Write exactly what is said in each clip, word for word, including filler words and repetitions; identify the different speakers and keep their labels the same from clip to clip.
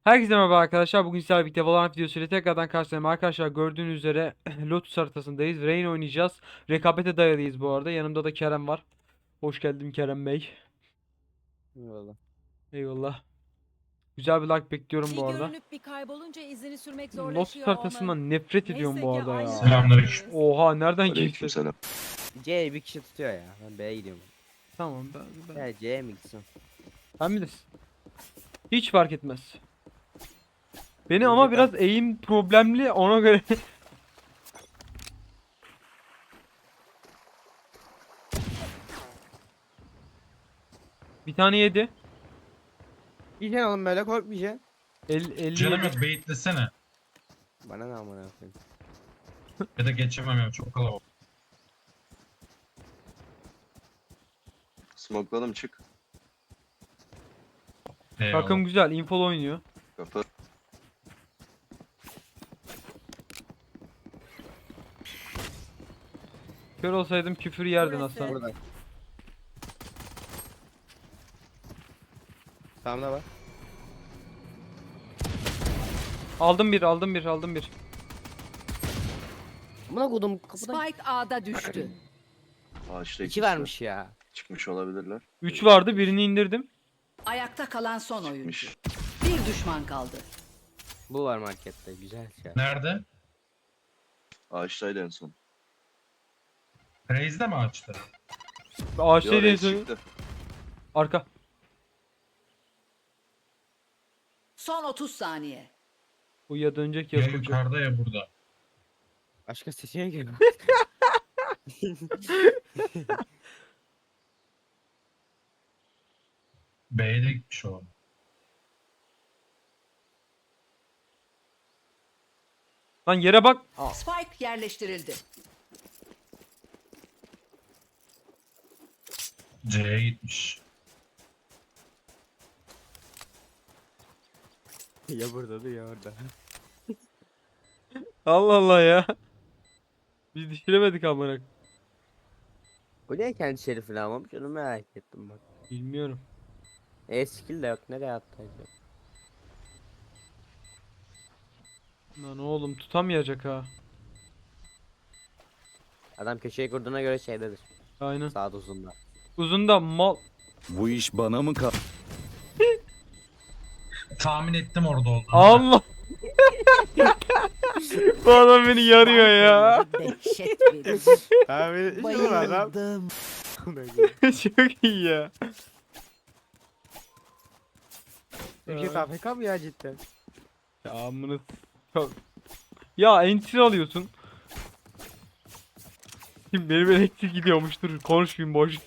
Speaker 1: Herkese merhaba arkadaşlar. Bugün sizlerle birlikte Valorant videosuyla tekrardan karşınızdayım. Arkadaşlar gördüğünüz üzere Lotus haritasındayız. Rain oynayacağız. Rekabete dayalıyız bu arada. Yanımda da Kerem var. Hoş geldin Kerem Bey.
Speaker 2: Eyvallah.
Speaker 1: Eyvallah. Güzel bir like bekliyorum bu
Speaker 3: Bir
Speaker 1: arada.
Speaker 3: görünüp bir kaybolunca izini sürmek
Speaker 1: Lotus
Speaker 3: zorlaşıyor onun.
Speaker 1: haritasından nefret ediyorum
Speaker 3: Neyse
Speaker 1: bu
Speaker 3: ki
Speaker 1: arada
Speaker 3: aynı
Speaker 1: ya.
Speaker 4: Selamünaleyküm.
Speaker 1: Oha nereden geçti?
Speaker 5: Aleykümselam.
Speaker 2: C bir kişi tutuyor ya. Ben B'ye gidiyorum.
Speaker 1: Tamam ben, ben,
Speaker 2: Ya C'ye mi gitsin?
Speaker 1: ben bilirsin. Hiç fark etmez. Beni
Speaker 2: Önce
Speaker 1: ama
Speaker 2: ben-
Speaker 1: biraz eğim problemli ona göre. Bir tane yedi.
Speaker 2: Yiyeceksin oğlum böyle korkmayacaksın.
Speaker 1: El, elli
Speaker 4: Canım
Speaker 1: yedi.
Speaker 4: yok, beyitlesene.
Speaker 2: Bana ne amına koyayım.
Speaker 4: Ya da geçemem ya, çok kalabalık.
Speaker 5: Smokladım, çık.
Speaker 4: Eyvallah.
Speaker 1: Takım güzel. Infol oynuyor.
Speaker 5: Kapı.
Speaker 1: Kör olsaydım küfür yerdin
Speaker 3: Burası.
Speaker 1: aslanım.
Speaker 2: Burada. Tamam da var.
Speaker 1: Aldım bir, aldım bir, aldım bir.
Speaker 2: Amına kodum kapıdan.
Speaker 3: Spike A'da düştü.
Speaker 5: Ağaçta
Speaker 2: İki
Speaker 5: ikisi
Speaker 2: vermiş ya.
Speaker 5: çıkmış olabilirler.
Speaker 1: üç vardı, birini indirdim.
Speaker 3: Ayakta kalan son oyuncu.
Speaker 5: Çıkmış.
Speaker 3: Bir düşman kaldı.
Speaker 2: Bu var markette güzel şey.
Speaker 4: Nerede?
Speaker 5: Ağaçtaydı en son.
Speaker 4: Reis'de mi açtı?
Speaker 1: Ağaçta
Speaker 5: Yo,
Speaker 1: değil
Speaker 5: reis çıktı.
Speaker 1: arka.
Speaker 3: Son otuz saniye.
Speaker 1: Bu ya dönecek
Speaker 4: Ya
Speaker 1: ya kuracak.
Speaker 4: yukarıda ya burada.
Speaker 2: Başka seçenek yok.
Speaker 4: B'ye de gitmiş o.
Speaker 1: Lan yere bak.
Speaker 3: Spike yerleştirildi.
Speaker 4: C'ye gitmiş.
Speaker 2: Ya burada da ya orada.
Speaker 1: Allah Allah ya. Biz düşüremedik amına.
Speaker 2: Bu niye kendi şerifini almamış onu merak ettim bak.
Speaker 1: Bilmiyorum.
Speaker 2: E skill de yok nereye attı acaba?
Speaker 1: Lan oğlum tutamayacak ha.
Speaker 2: Adam köşeyi kurduğuna göre şeydedir.
Speaker 1: Aynen.
Speaker 2: Sağda uzunda.
Speaker 1: Uzunda mal.
Speaker 6: Bu iş bana mı kal?
Speaker 4: Tahmin ettim orada olduğunu.
Speaker 1: Allah. Bu adam beni yarıyor ya.
Speaker 3: Dehşet verici.
Speaker 2: Abi
Speaker 3: Bayıldım.
Speaker 1: Çok iyi ya.
Speaker 2: Ülke F K mı ya cidden?
Speaker 1: Ya amına. Çok- Ya entry alıyorsun. Şimdi benim elektrik gidiyormuş, dur konuşmayayım boş.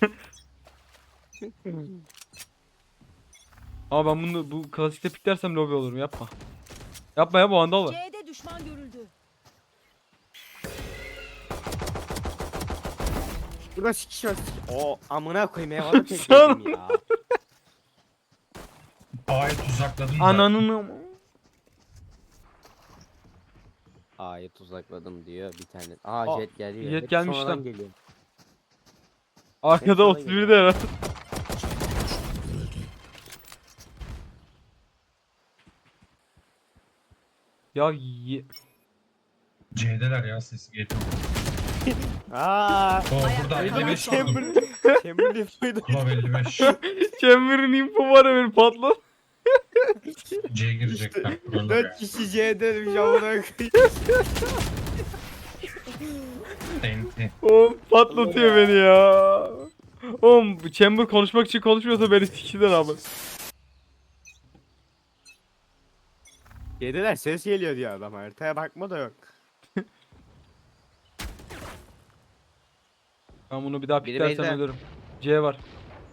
Speaker 1: Ama ben bunu bu klasikte piklersem lobi olurum, yapma. Yapma ya, bu vandal var.
Speaker 3: C'de düşman görüldü.
Speaker 2: Burada sikiş var sikiş. O amına koyayım eyvallah tek
Speaker 1: Sağ ol.
Speaker 2: yedim ya.
Speaker 4: A'yı tuzakladım da.
Speaker 1: Ananın
Speaker 2: A'yı tuzakladım diyor bir tane. Aa
Speaker 1: Aa,
Speaker 2: jet geliyor.
Speaker 1: jet
Speaker 2: Hep
Speaker 1: gelmiş
Speaker 2: sonradan
Speaker 1: lan.
Speaker 2: geliyor.
Speaker 1: arkada
Speaker 2: sana
Speaker 1: otuz
Speaker 2: geliyor.
Speaker 1: bir de herhalde. Ya ye...
Speaker 4: C'deler ya, sesi geliyor.
Speaker 2: Aaa.
Speaker 4: O
Speaker 3: Ayakta
Speaker 4: burada
Speaker 3: kalan
Speaker 4: elli beş
Speaker 3: son
Speaker 4: vurdum.
Speaker 3: oyuncu.
Speaker 2: Chamberlain muydu?
Speaker 4: Club elli beş.
Speaker 1: Chamber'ın info var ya, beni patlat.
Speaker 4: C'ye girecekler. Buralar
Speaker 2: dört
Speaker 4: ya.
Speaker 2: kişi C'de bir amına koyayım.
Speaker 4: Enti.
Speaker 1: Oğlum patlatıyor beni ya. Oğlum bu Chamber konuşmak için konuşmuyorsa beni sikiden abi.
Speaker 2: C'deler ses geliyor diyor adam haritaya bakma da yok.
Speaker 1: Ben bunu bir daha
Speaker 2: Biri
Speaker 1: piklersem
Speaker 2: beyler.
Speaker 1: ölürüm. C var.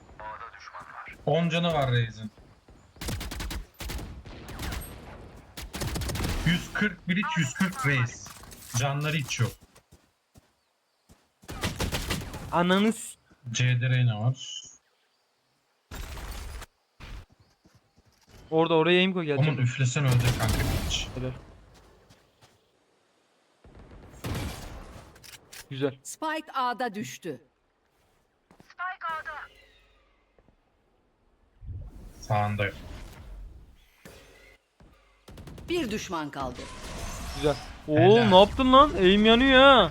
Speaker 4: on canı var Reis'in. yüz kırk bridge, yüz kırk Reis. Canları hiç yok.
Speaker 1: Ananı s-
Speaker 4: C'de Reyna var.
Speaker 1: Orada oraya aim koy
Speaker 4: Aman
Speaker 1: gelecek.
Speaker 4: üflesen ölecek kanka hiç.
Speaker 1: Helal. Güzel.
Speaker 3: Spike A'da düştü.
Speaker 4: Sağında yok.
Speaker 3: Bir düşman kaldı.
Speaker 1: Güzel.
Speaker 4: Helal.
Speaker 1: Oğlum ne yaptın lan? Eğim yanıyor ha.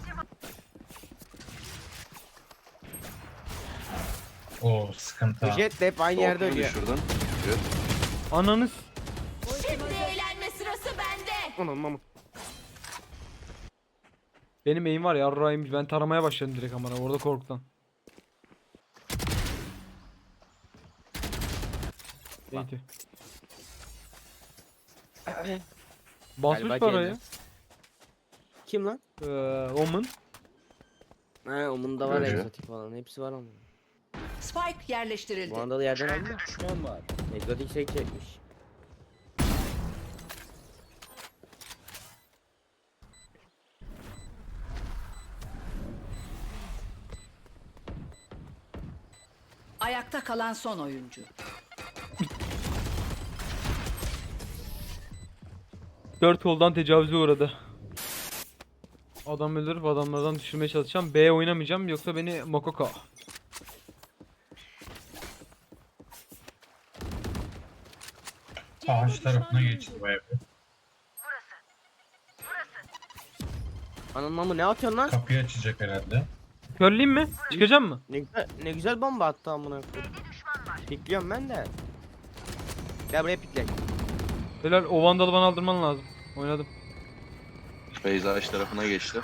Speaker 4: O sıkıntı.
Speaker 2: Bu jet de hep aynı yerde
Speaker 5: Soğukluğu
Speaker 2: ölüyor.
Speaker 5: düşürdün. Evet.
Speaker 1: Ananız.
Speaker 3: Eğlenme sırası bende.
Speaker 2: Anam mamam.
Speaker 1: Benim eğim var ya yarrağıymış. Ben taramaya başladım direkt amına orada korkudan. Neydi? Basmış
Speaker 2: Galiba
Speaker 1: parayı.
Speaker 2: geldi. Kim lan?
Speaker 1: Ee, Omen.
Speaker 2: He onun da var
Speaker 5: Öyle.
Speaker 2: egzotik falan. Hepsi var onun.
Speaker 3: Spike yerleştirildi.
Speaker 2: Bu anda da yerden aldı mı? Egzotik şey çekmiş.
Speaker 3: Ayakta kalan son oyuncu.
Speaker 1: Dört koldan tecavüze uğradı. Adam öldürüp adamlardan düşürmeye çalışacağım. B oynamayacağım yoksa beni Mokoko.
Speaker 4: Ağaç tarafına geçti bu ev.
Speaker 2: Anam mamı ne atıyorsun lan?
Speaker 4: Kapıyı açacak herhalde.
Speaker 1: Körleyeyim mi? Çıkacağım mı?
Speaker 2: Ne güzel, ne güzel bomba attı amına koyayım. Pikliyorum ben de. Gel buraya pikle.
Speaker 1: Helal o vandalı bana aldırman lazım. Oynadım.
Speaker 5: Beyza ağaç tarafına geçti.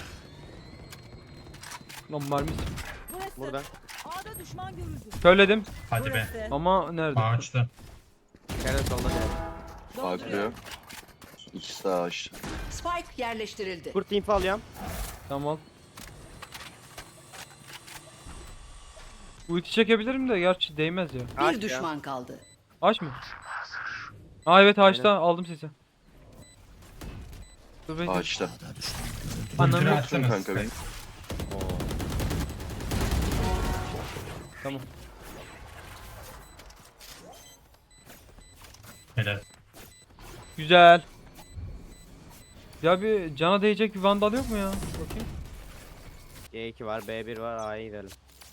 Speaker 1: Lan mermis.
Speaker 2: Burada.
Speaker 3: A'da düşman görüldü.
Speaker 1: Körledim
Speaker 4: Hadi be.
Speaker 1: ama nerede?
Speaker 4: Ağaçta.
Speaker 2: Nerede solda nerede?
Speaker 5: Bakıyor. İkisi de ağaçta.
Speaker 3: Spike yerleştirildi.
Speaker 2: Kurt info alıyorum.
Speaker 1: Tamam. Ulti çekebilirim de gerçi değmez ya.
Speaker 2: Ağaç
Speaker 3: Bir
Speaker 2: ya.
Speaker 3: düşman kaldı.
Speaker 1: Ağaç mı? Aa evet ağaçta aldım sesi. Dur bekle.
Speaker 5: Ağaçta.
Speaker 1: Ananı
Speaker 4: Ultini
Speaker 1: yok.
Speaker 4: açsana
Speaker 5: kanka
Speaker 4: Sky.
Speaker 5: benim.
Speaker 1: Tamam.
Speaker 4: Helal.
Speaker 1: Güzel. Ya bir cana değecek bir vandal yok mu ya? Bakayım.
Speaker 2: G iki var, B bir var, A'ya gidelim.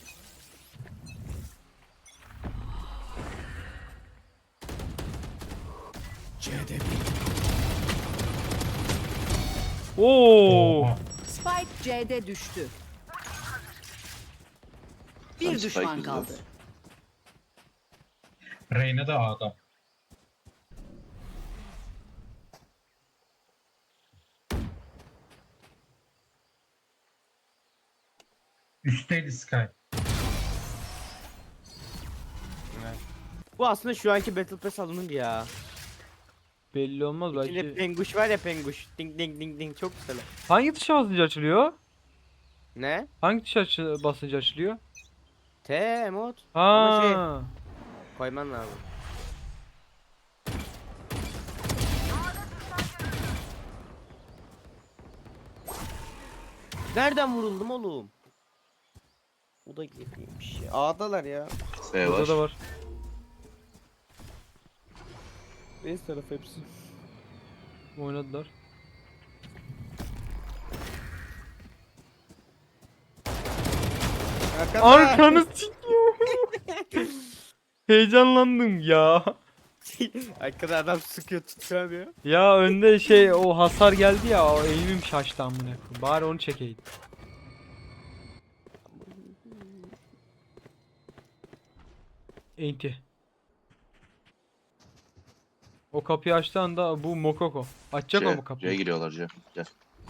Speaker 1: Oo.
Speaker 4: Oha.
Speaker 3: Spike C'de düştü. Bir
Speaker 5: Sen Spike
Speaker 3: düşman
Speaker 5: izle.
Speaker 3: kaldı.
Speaker 4: Reyna da A'da. Üstteydi Sky.
Speaker 2: Bu aslında şu anki Battle Pass alınır ya.
Speaker 1: Belli olmaz
Speaker 2: İçinde
Speaker 1: belki.
Speaker 2: penguş var ya penguş. Ding ding ding ding çok güzel.
Speaker 1: Hangi tuşa basınca açılıyor?
Speaker 2: Ne?
Speaker 1: Hangi tuşa açı- basınca açılıyor?
Speaker 2: T emot. Ama şey
Speaker 1: Ha.
Speaker 2: koyman lazım. Nereden vuruldum oğlum? O da girmiş ya. A'dalar ya.
Speaker 5: B
Speaker 1: Burada
Speaker 5: var.
Speaker 1: da var.
Speaker 2: Base tarafı hepsi.
Speaker 1: Oynadılar. Arkanı sikiyor. Heyecanlandım ya.
Speaker 2: Arkada adam sıkıyor tutuyor ya.
Speaker 1: Ya önde şey o hasar geldi ya o eğimim şaştı amına koyayım. Bari onu çekeydim. Enti. O kapıyı açtığı anda bu Mokoko. Açacak o
Speaker 5: C.
Speaker 1: mu
Speaker 5: C'ye
Speaker 1: kapıyı?
Speaker 5: giriyorlar C. Gel.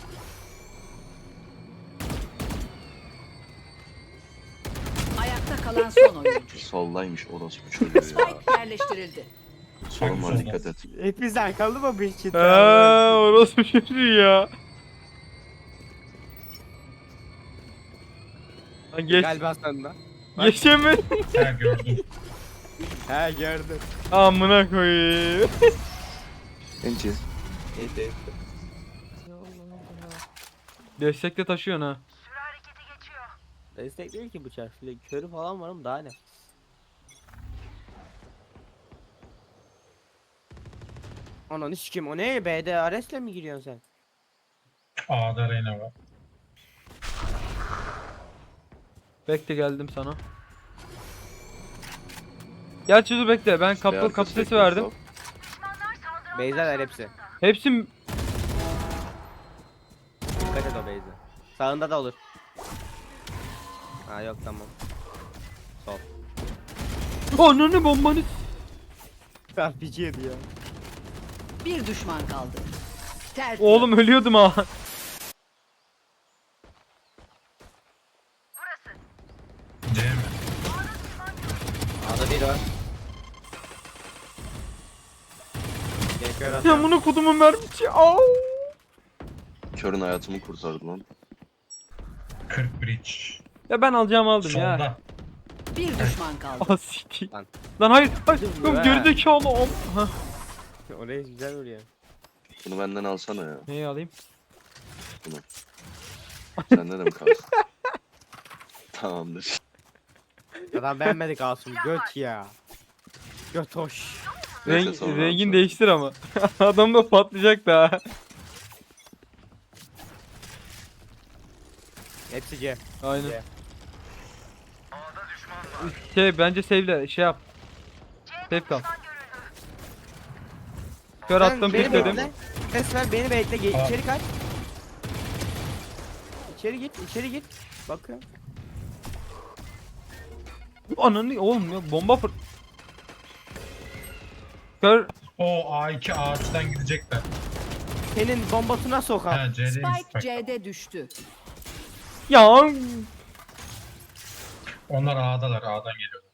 Speaker 3: Ayakta kalan son oyuncu.
Speaker 5: Soldaymış orospu çocuğu ya.
Speaker 3: Spike yerleştirildi.
Speaker 5: Solun var
Speaker 4: Solda.
Speaker 5: dikkat et.
Speaker 2: Hepimizden kaldı mı bir kit?
Speaker 1: Eee orası çocuğu ya. Lan geç.
Speaker 2: Galiba sende.
Speaker 1: Geçemedim.
Speaker 4: Ha gördüm.
Speaker 2: He gördüm.
Speaker 1: Amına koyayım.
Speaker 5: Enti.
Speaker 2: Neyse.
Speaker 1: Destekle taşıyorsun ha.
Speaker 2: Destek değil ki bıçak. Şöyle körü falan var ama daha ne? Ananı sikim o ne? B'de Ares'le mi giriyorsun sen?
Speaker 4: A'da Reyna var.
Speaker 1: Bekle geldim sana. Gerçi dur bekle ben kapı
Speaker 5: Beyaz
Speaker 1: kapı sesi
Speaker 5: destek yok,
Speaker 1: verdim.
Speaker 5: sol.
Speaker 2: Beyza'lar hepsi.
Speaker 1: Hepsi m-
Speaker 2: Dikkat et o base'e. Sağında da olur. Ha yok tamam. Sol.
Speaker 1: Ananı bombanı.
Speaker 2: R P G yedi ya.
Speaker 3: Bir düşman kaldı. Tertemiz.
Speaker 1: Oğlum ölüyordum ha.
Speaker 4: C mi?
Speaker 2: A'da bir var. Gekör
Speaker 1: Ya
Speaker 2: atıyorum.
Speaker 1: bunu kudumun mermisi. Au.
Speaker 5: Körün hayatımı kurtardı lan.
Speaker 4: kırk bridge.
Speaker 1: Ya ben alacağımı aldım ya.
Speaker 4: Solda.
Speaker 3: Bir düşman kaldı.
Speaker 1: Ah siktir.
Speaker 2: Lan.
Speaker 1: Lan hayır. Hayır.
Speaker 2: Dur
Speaker 1: Oğlum
Speaker 2: be.
Speaker 1: gerizekalı am. Hah.
Speaker 2: Oraya güzel vuruyor.
Speaker 5: Bunu benden alsana ya.
Speaker 1: Neyi alayım?
Speaker 5: Sende de mi kalsın? Tamamdır.
Speaker 2: Adam beğenmedik Asum. Göt ya. Göt hoş.
Speaker 5: Neyse,
Speaker 1: Renk,
Speaker 5: sonra
Speaker 1: rengin
Speaker 5: alsana.
Speaker 1: değiştir ama. Adam da patlayacak da.
Speaker 2: Hepsi C.
Speaker 1: Aynen.
Speaker 2: C.
Speaker 1: Şey bence save'le şey yap. Save kal. Kör
Speaker 2: Sen
Speaker 1: attım
Speaker 2: beni
Speaker 1: pikledim.
Speaker 2: bekle. Ses ver beni bekle. Ge-
Speaker 4: Aa.
Speaker 2: içeri kaç. İçeri git, içeri git. Bakıyorum.
Speaker 1: Ananı oğlum ya bomba fır. Kör.
Speaker 4: O A iki ağaçtan gidecekler.
Speaker 2: Senin bombasına sokar.
Speaker 4: Ha C'deymiş.
Speaker 3: Spike
Speaker 4: Bak.
Speaker 3: C'de düştü.
Speaker 1: Ya
Speaker 4: Onlar A'dalar. A'dan geliyorlar.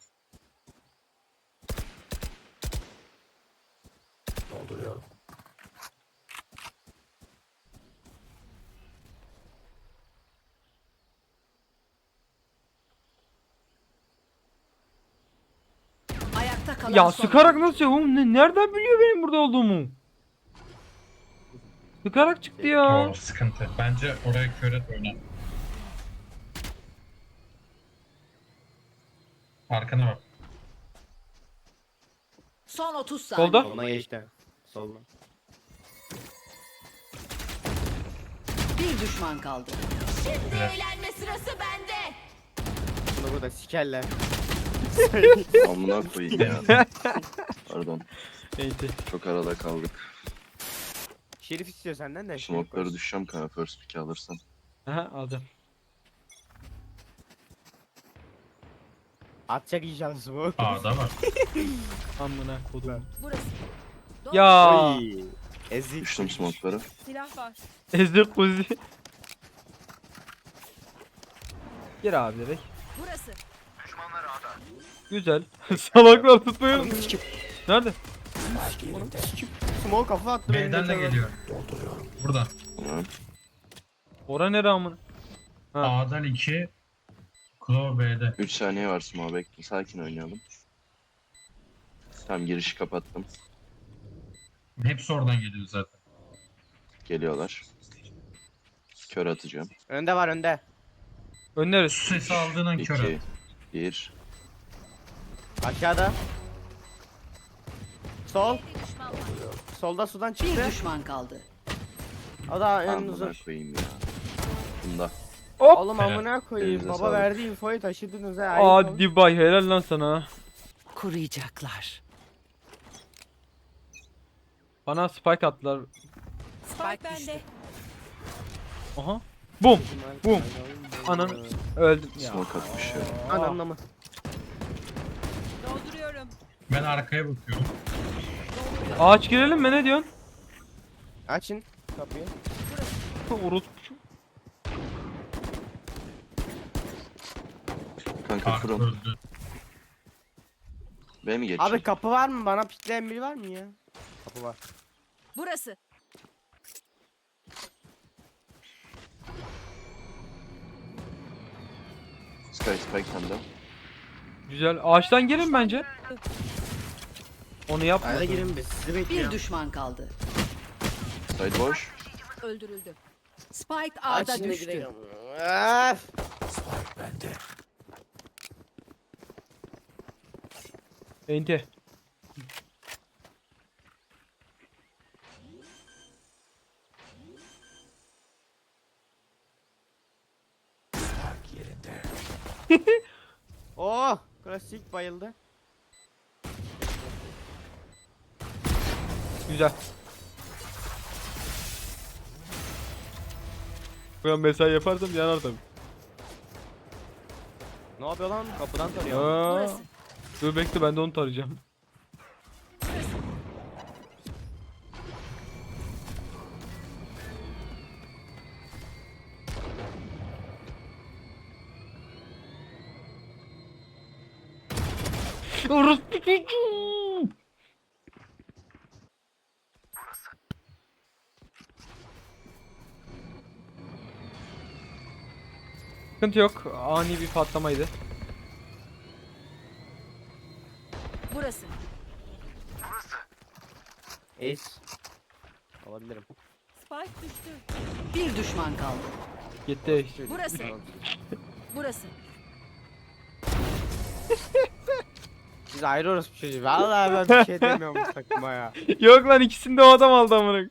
Speaker 3: Ayakta kalan
Speaker 1: ya
Speaker 3: son
Speaker 1: sıkarak
Speaker 3: oyuncu.
Speaker 1: nasıl ya oğlum ne, nereden biliyor benim burada olduğumu? Sıkarak çıktı ya.
Speaker 4: O sıkıntı. Bence oraya köret oyna. Arkana bak.
Speaker 3: Son otuz saniye.
Speaker 1: Solda.
Speaker 2: Soluna geçti. Soluna.
Speaker 3: Bir düşman kaldı.
Speaker 7: Eğlenme sırası bende.
Speaker 2: Bunu burada sikerler.
Speaker 5: Amına koyayım ya. Pardon.
Speaker 1: Neyse.
Speaker 5: Çok arada kaldık.
Speaker 2: Şerif istiyor senden de. Şerif
Speaker 5: Smoke'ları
Speaker 2: koş.
Speaker 5: düşeceğim kanka first pick'i alırsan.
Speaker 1: Aha aldım.
Speaker 2: Atacak inşallah smoke.
Speaker 4: A'da var.
Speaker 1: Amına kodum.
Speaker 7: Burası.
Speaker 1: Ya
Speaker 2: Oy. Ezik.
Speaker 5: Düştüm smoke'ları.
Speaker 7: Silah var.
Speaker 1: ezdir kuzi. Gir abi direkt.
Speaker 7: Burası.
Speaker 1: Güzel. Salaklar tutmayın. Nerede?
Speaker 2: Smoke kafa attı. benim
Speaker 4: B'den de
Speaker 2: meteora.
Speaker 4: geliyor. Burada.
Speaker 5: Tamam.
Speaker 1: Ora nere amına? Ha.
Speaker 4: A'dan iki. Claw B'de.
Speaker 5: üç saniye var smoke bekle. Sakin oynayalım. Tamam girişi kapattım.
Speaker 4: Hepsi oradan geliyor zaten.
Speaker 5: Geliyorlar. Kör atacağım.
Speaker 2: Önde var önde.
Speaker 1: Önleriz.
Speaker 4: Su sesi aldığın an kör
Speaker 5: iki,
Speaker 4: at.
Speaker 5: bir.
Speaker 2: Aşağıda. Sol.
Speaker 7: Bir düşman var.
Speaker 2: Solda sudan
Speaker 3: Bir
Speaker 2: çıktı.
Speaker 3: düşman kaldı.
Speaker 2: O da en
Speaker 5: Amına
Speaker 2: uzun.
Speaker 5: koyayım ya. Bunda.
Speaker 1: Hop.
Speaker 2: Oğlum amına koyayım.
Speaker 5: Elinize
Speaker 2: Baba
Speaker 5: sağlık.
Speaker 2: verdi infoyu taşıdınız ha. ayıp oldu.
Speaker 1: Hadi bay helal lan sana.
Speaker 3: Kuruyacaklar.
Speaker 1: Bana spike attılar.
Speaker 7: Spike bende.
Speaker 1: Aha. Bum. Bum. Ananı öldüm ya.
Speaker 5: Smoke atmış ya.
Speaker 2: Ananla mı?
Speaker 7: Dolduruyorum.
Speaker 4: Ben arkaya bakıyorum.
Speaker 1: Ağaç girelim mi ne diyorsun?
Speaker 2: Açın kapıyı.
Speaker 1: Orospu.
Speaker 5: Kanka
Speaker 4: Arka
Speaker 5: from.
Speaker 4: öldü.
Speaker 5: B mi geçecek?
Speaker 2: Abi kapı var mı? Bana pikleyen biri var mı ya? Kapı var.
Speaker 7: Burası.
Speaker 5: Sky Spike sende.
Speaker 1: Güzel. Ağaçtan gelin bence. Onu yapma.
Speaker 2: Hayda girin biz. Sizi
Speaker 3: Bir
Speaker 2: bekliyorum.
Speaker 3: düşman kaldı.
Speaker 5: Side boş.
Speaker 7: Öldürüldü.
Speaker 3: Spike A'da
Speaker 2: Açın da
Speaker 3: düştü.
Speaker 2: girelim. Öf.
Speaker 1: Ente.
Speaker 2: Oh, klasik bayıldı.
Speaker 1: Güzel. Ben mesai yaparsam yanar tabii.
Speaker 2: Ne yapıyor lan? Kapıdan tarıyor.
Speaker 1: Aa,
Speaker 7: Burası.
Speaker 1: dur bekle ben de onu tarayacağım. Orospu çocuğu. Sıkıntı yok. Ani bir patlamaydı.
Speaker 7: Burası.
Speaker 2: Ace. Alabilirim.
Speaker 7: Spike düştü.
Speaker 3: Bir düşman kaldı.
Speaker 1: Gitti.
Speaker 7: Burası. Burası.
Speaker 2: Biz ayrılıyoruz bir çocuğu. Vallahi ben bir şey demiyorum bu takıma ya.
Speaker 1: Yok lan ikisini de o adam aldı amına.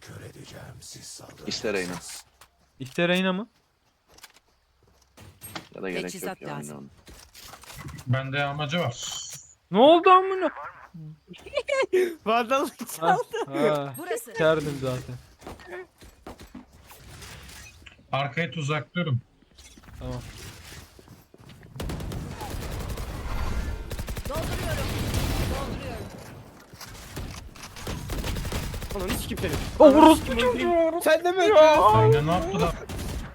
Speaker 5: İster Reyna.
Speaker 1: İşte Reyna mı?
Speaker 5: Ya da gerek yok
Speaker 3: Teçhizat
Speaker 5: ya.
Speaker 3: lazım.
Speaker 5: oynayalım.
Speaker 4: Bende amacı var.
Speaker 1: Ne oldu amına?
Speaker 2: Vandallık
Speaker 1: Ha,
Speaker 2: çaldı.
Speaker 1: ha.
Speaker 7: Burası.
Speaker 1: Kerdim zaten.
Speaker 4: Arkaya tuzaklıyorum.
Speaker 1: Tamam.
Speaker 7: Dolduruyorum. Dolduruyorum.
Speaker 2: Oğlum hiç kimse yok.
Speaker 1: Orospu çocuğu.
Speaker 2: Sen de mi?
Speaker 4: Reyna ne yaptı lan?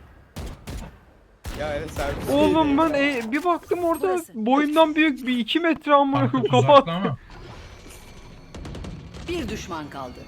Speaker 2: Ya öyle servis.
Speaker 1: Oğlum ben e, bir baktım orada
Speaker 7: Burası.
Speaker 1: boyundan büyük bir iki metre amına
Speaker 4: Arka
Speaker 1: koyayım
Speaker 4: tuzaklı
Speaker 1: kapat.
Speaker 4: ama.
Speaker 3: Bir düşman kaldı.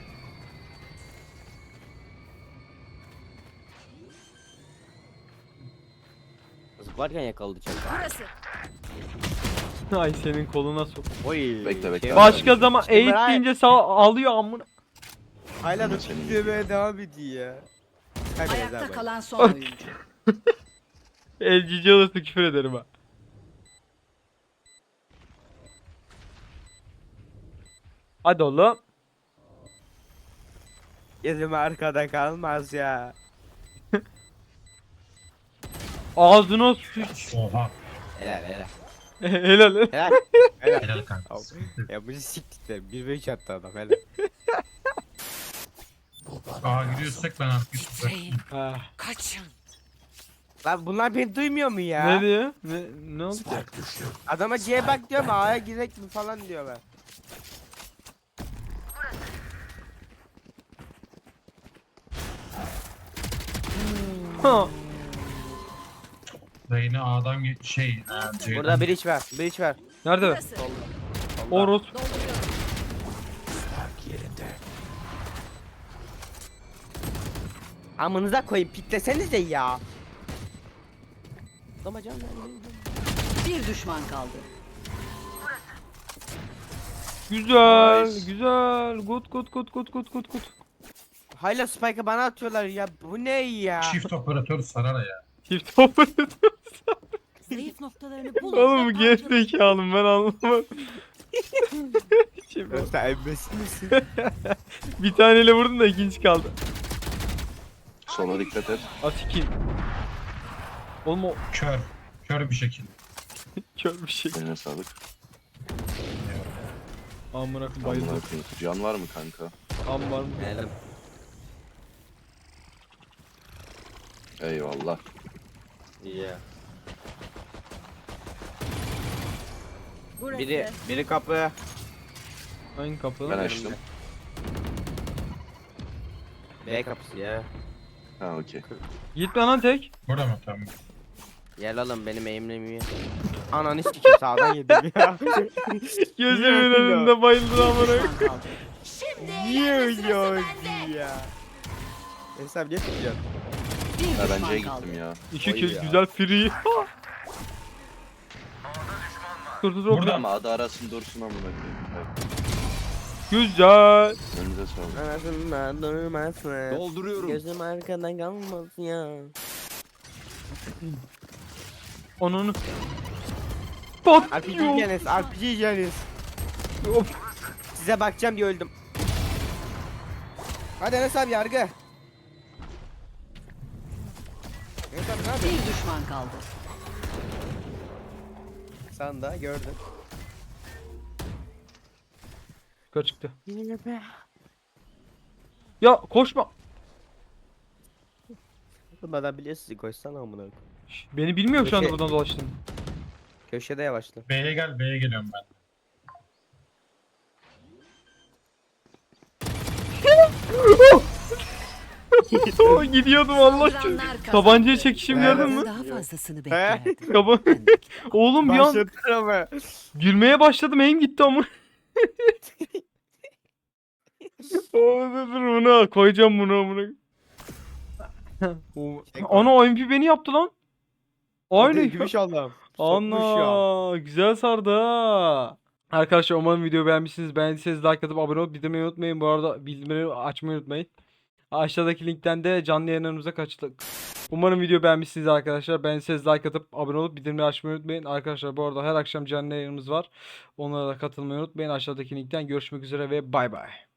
Speaker 2: Zıplarken yakaladı çek.
Speaker 7: Burası.
Speaker 1: Ay senin koluna sok.
Speaker 2: Oy.
Speaker 5: Bekle, bekle.
Speaker 2: şey
Speaker 1: Başka
Speaker 2: var.
Speaker 1: zaman
Speaker 2: İşte
Speaker 1: eğit
Speaker 2: ben-
Speaker 1: deyince sağ alıyor amına.
Speaker 2: Hala da
Speaker 5: Senin-
Speaker 2: titremeye devam ediyor ya. Kaybederiz
Speaker 3: Ayakta
Speaker 2: abi.
Speaker 3: kalan son oyuncu.
Speaker 1: El cici alırsa küfür ederim ha. Hadi oğlum.
Speaker 2: Gözüm arkada kalmaz ya.
Speaker 1: Ağzına sıç.
Speaker 4: Oha.
Speaker 2: Helal helal.
Speaker 1: Helal.
Speaker 2: Helal. Helal.
Speaker 4: Helal kanka.
Speaker 2: Ya bu siktir de bir ve üç attı adam helal.
Speaker 4: Aa gidiyorsak ben arkaya tuzaklayayım.
Speaker 1: Ha.
Speaker 3: Kaçın.
Speaker 2: Lan bunlar beni duymuyor mu ya?
Speaker 1: Ne diyor? Ne, ne oldu?
Speaker 2: Adama C'ye bak diyorum A'ya girek mi falan diyorlar.
Speaker 1: Ha.
Speaker 4: Reyna A'dan ge- şey. E, C'den.
Speaker 2: Burada bir iç ver. Bir iç ver.
Speaker 1: Nerede?
Speaker 7: Burası.
Speaker 1: Oros.
Speaker 7: Dolduruyorum.
Speaker 2: Amınıza koyayım piklesenize ya. Ama canım
Speaker 3: Bir düşman kaldı.
Speaker 1: Güzel,
Speaker 5: Nice.
Speaker 1: güzel. Good, good, good, good, good, good, good.
Speaker 2: Hala Spike'ı bana atıyorlar ya. Bu ne ya?
Speaker 4: Çift operatör sarar ya.
Speaker 1: Çift operatör.
Speaker 7: Zayıf noktalarını bulun.
Speaker 1: Oğlum
Speaker 7: ve
Speaker 1: geç
Speaker 7: parçalayın.
Speaker 1: zekalım ben anlamadım. Şimdi
Speaker 2: Sen embesil misin?
Speaker 1: bir taneyle vurdum da ikinci kaldı.
Speaker 5: Sola dikkat et.
Speaker 1: Asikin. Oğlum o
Speaker 4: Kör. Kör bir şekilde.
Speaker 1: kör bir şey.
Speaker 5: Eline sağlık.
Speaker 1: Amına koyayım
Speaker 5: Amına
Speaker 1: bayıldım.
Speaker 5: koyayım. Can var mı kanka?
Speaker 1: Am var mı?
Speaker 2: Helal.
Speaker 5: Eyvallah.
Speaker 2: Ya.
Speaker 7: Burası.
Speaker 2: Biri biri kapı.
Speaker 1: Hangi kapı?
Speaker 5: Ben açtım.
Speaker 2: B kapısı ya.
Speaker 5: Ha okey.
Speaker 1: Gitme lan tek.
Speaker 4: Burada mı? Tamam.
Speaker 2: Gel oğlum benim eğimlemiyor. Ananı sikeyim sağdan yedim ya.
Speaker 1: Gözümün önünde bayıldı amına koyayım.
Speaker 3: Düşman kaldı.
Speaker 2: Niye öyle oldu ya? Hesap niye tutuyorsun?
Speaker 3: Bir
Speaker 5: Ha ben
Speaker 3: düşman
Speaker 5: C'ye
Speaker 3: kaldı.
Speaker 5: gittim ya.
Speaker 1: İki
Speaker 2: Oy
Speaker 1: kez
Speaker 2: ya.
Speaker 1: güzel free. Dur dur dur.
Speaker 4: Burada.
Speaker 5: Ama adı arasın dursun amına koyayım. Evet.
Speaker 1: Güzel.
Speaker 5: Önünüze sağlık.
Speaker 2: Anasından durmasın.
Speaker 6: Dolduruyorum.
Speaker 2: Gözüm arkadan kalmasın ya.
Speaker 1: Onun.
Speaker 2: R P G
Speaker 1: Patlıyor.
Speaker 2: Janis, R P G Janis.
Speaker 1: Of.
Speaker 2: Size bakacağım diye öldüm. Hadi Enes abi yargı. Enes abi ne yapıyorsun?
Speaker 3: Bir düşman kaldı.
Speaker 2: Sen de gördün.
Speaker 1: Yukarı çıktı. Ya koşma.
Speaker 2: Bunlardan biliyorsun koşsana amına koyayım.
Speaker 1: Şş, Beni bilmiyor şu anda
Speaker 2: Köşe-
Speaker 1: buradan dolaştım.
Speaker 2: Köşede yavaşla.
Speaker 4: B'ye gel, B'ye geliyorum ben.
Speaker 1: Oh, gidiyordum Allah aşkına.
Speaker 3: Saldıranlar kazandı.
Speaker 1: Tabancayı çekişim
Speaker 2: Evet.
Speaker 1: gördün mü?
Speaker 3: Daha fazlasını beklerdim.
Speaker 1: Kaba- Oğlum bir an
Speaker 2: Başlatır ama.
Speaker 1: gülmeye başladım, eğim gitti ama. Oğlum dur dur, bunu koyacağım bunu amına. O-
Speaker 2: Çek
Speaker 1: Ana O M P beni yaptı lan. Aynı.
Speaker 2: Gümüş Allah'ım. Sokmuş ya.
Speaker 1: Ana güzel sardı ha. Arkadaşlar umarım videoyu beğenmişsiniz. Beğendiyseniz like atıp abone olup bildirimleri unutmayın. Bu arada bildirimleri açmayı unutmayın. Aşağıdaki linkten de canlı yayınlarımıza kaçtık. Umarım video beğenmişsiniz arkadaşlar. Beğendiyseniz like atıp abone olup bildirimleri açmayı unutmayın. Arkadaşlar bu arada her akşam canlı yayınımız var. Onlara da katılmayı unutmayın. Aşağıdaki linkten görüşmek üzere ve bay bay.